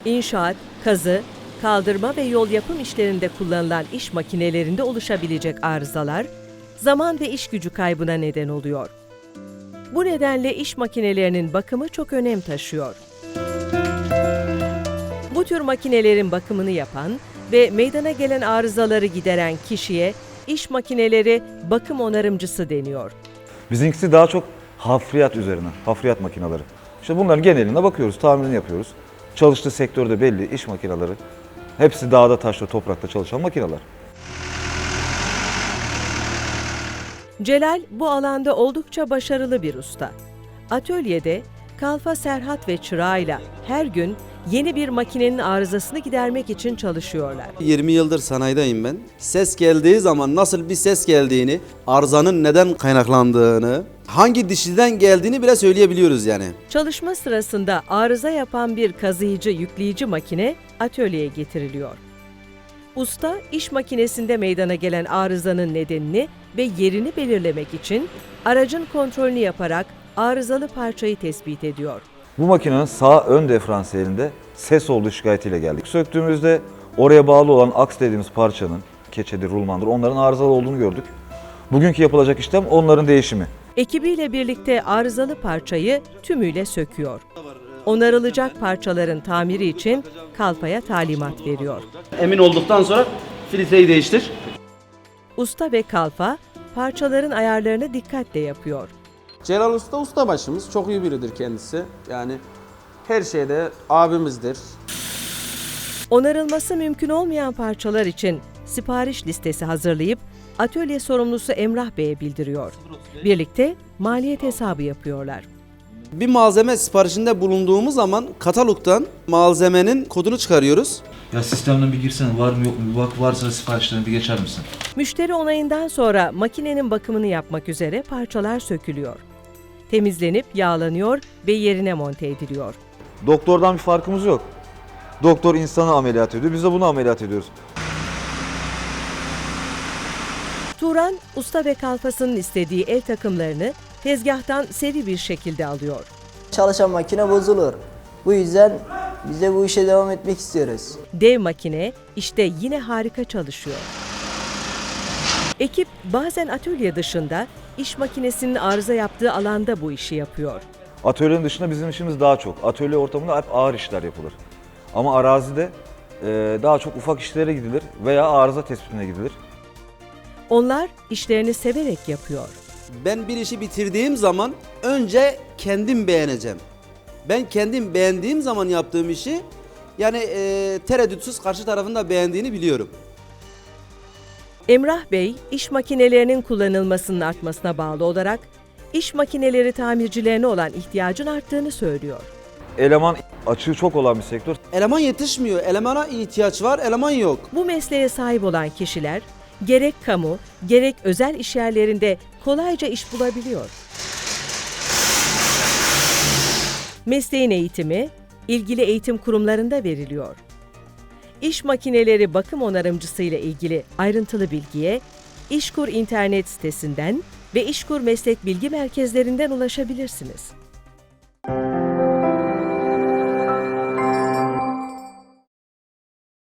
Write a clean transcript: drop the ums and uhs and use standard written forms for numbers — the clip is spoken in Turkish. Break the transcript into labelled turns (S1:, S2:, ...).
S1: İnşaat, kazı, kaldırma ve yol yapım işlerinde kullanılan iş makinelerinde oluşabilecek arızalar, zaman ve iş gücü kaybına neden oluyor. Bu nedenle iş makinelerinin bakımı çok önem taşıyor. Bu tür makinelerin bakımını yapan ve meydana gelen arızaları gideren kişiye iş makineleri bakım onarımcısı deniyor.
S2: Bizimkisi daha çok hafriyat üzerine, hafriyat makineleri. İşte bunların geneline bakıyoruz, tamirini yapıyoruz. Çalıştığı sektörde belli, iş makineleri. Hepsi dağda, taşta, toprakta çalışan makineler.
S1: Celal bu alanda oldukça başarılı bir usta. Atölyede Kalfa Serhat ve çırağıyla her gün yeni bir makinenin arızasını gidermek için çalışıyorlar.
S3: 20 yıldır sanayideyim ben. Ses geldiği zaman nasıl bir ses geldiğini, arızanın neden kaynaklandığını, hangi dişiden geldiğini bile söyleyebiliyoruz yani.
S1: Çalışma sırasında arıza yapan bir kazıyıcı yükleyici makine atölyeye getiriliyor. Usta, iş makinesinde meydana gelen arızanın nedenini ve yerini belirlemek için aracın kontrolünü yaparak arızalı parçayı tespit ediyor.
S2: Bu makinenin sağ ön diferansiyelinde ses olduğu şikayetiyle geldik. Söktüğümüzde oraya bağlı olan aks dediğimiz parçanın, keçedir, rulmandır, onların arızalı olduğunu gördük. Bugünkü yapılacak işlem onların değişimi.
S1: Ekibiyle birlikte arızalı parçayı tümüyle söküyor. Onarılacak parçaların tamiri için Kalfa'ya talimat veriyor.
S3: Emin olduktan sonra filtreyi değiştir.
S1: Usta ve Kalfa parçaların ayarlarını dikkatle yapıyor.
S4: Celal Usta ustabaşımız, çok iyi biridir kendisi. Yani her şeyde abimizdir.
S1: Onarılması mümkün olmayan parçalar için sipariş listesi hazırlayıp atölye sorumlusu Emrah Bey'e bildiriyor. Birlikte maliyet hesabı yapıyorlar.
S3: Bir malzeme siparişinde bulunduğumuz zaman katalogdan malzemenin kodunu çıkarıyoruz.
S5: Ya sistemden bir girsene, var mı yok mu bir bak, varsa siparişlerini bir geçer misin?
S1: Müşteri onayından sonra makinenin bakımını yapmak üzere parçalar sökülüyor. Temizlenip yağlanıyor ve yerine monte ediliyor.
S2: Doktordan bir farkımız yok. Doktor insanı ameliyat ediyor, biz de bunu ameliyat ediyoruz.
S1: Turan, usta ve kalfasının istediği el takımlarını tezgahtan seri bir şekilde alıyor.
S6: Çalışan makine bozulur. Bu yüzden biz de bu işe devam etmek istiyoruz.
S1: Dev makine işte yine harika çalışıyor. Ekip bazen atölye dışında iş makinesinin arıza yaptığı alanda bu işi yapıyor.
S2: Atölyenin dışında bizim işimiz daha çok. Atölye ortamında hep ağır işler yapılır. Ama arazide daha çok ufak işlere gidilir veya arıza tespitine gidilir.
S1: Onlar işlerini severek yapıyor.
S3: Ben bir işi bitirdiğim zaman önce kendim beğeneceğim. Ben kendim beğendiğim zaman yaptığım işi yani tereddütsüz karşı tarafın da beğendiğini biliyorum.
S1: Emrah Bey, iş makinelerinin kullanılmasının artmasına bağlı olarak iş makineleri tamircilerine olan ihtiyacın arttığını söylüyor.
S2: Eleman açığı çok olan bir sektör.
S3: Eleman yetişmiyor, elemana ihtiyaç var, eleman yok.
S1: Bu mesleğe sahip olan kişiler gerek kamu, gerek özel işyerlerinde kolayca iş bulabiliyor. Mesleğin eğitimi, ilgili eğitim kurumlarında veriliyor. İş makineleri bakım onarımcısı ile ilgili ayrıntılı bilgiye İşkur internet sitesinden ve İşkur meslek bilgi merkezlerinden ulaşabilirsiniz.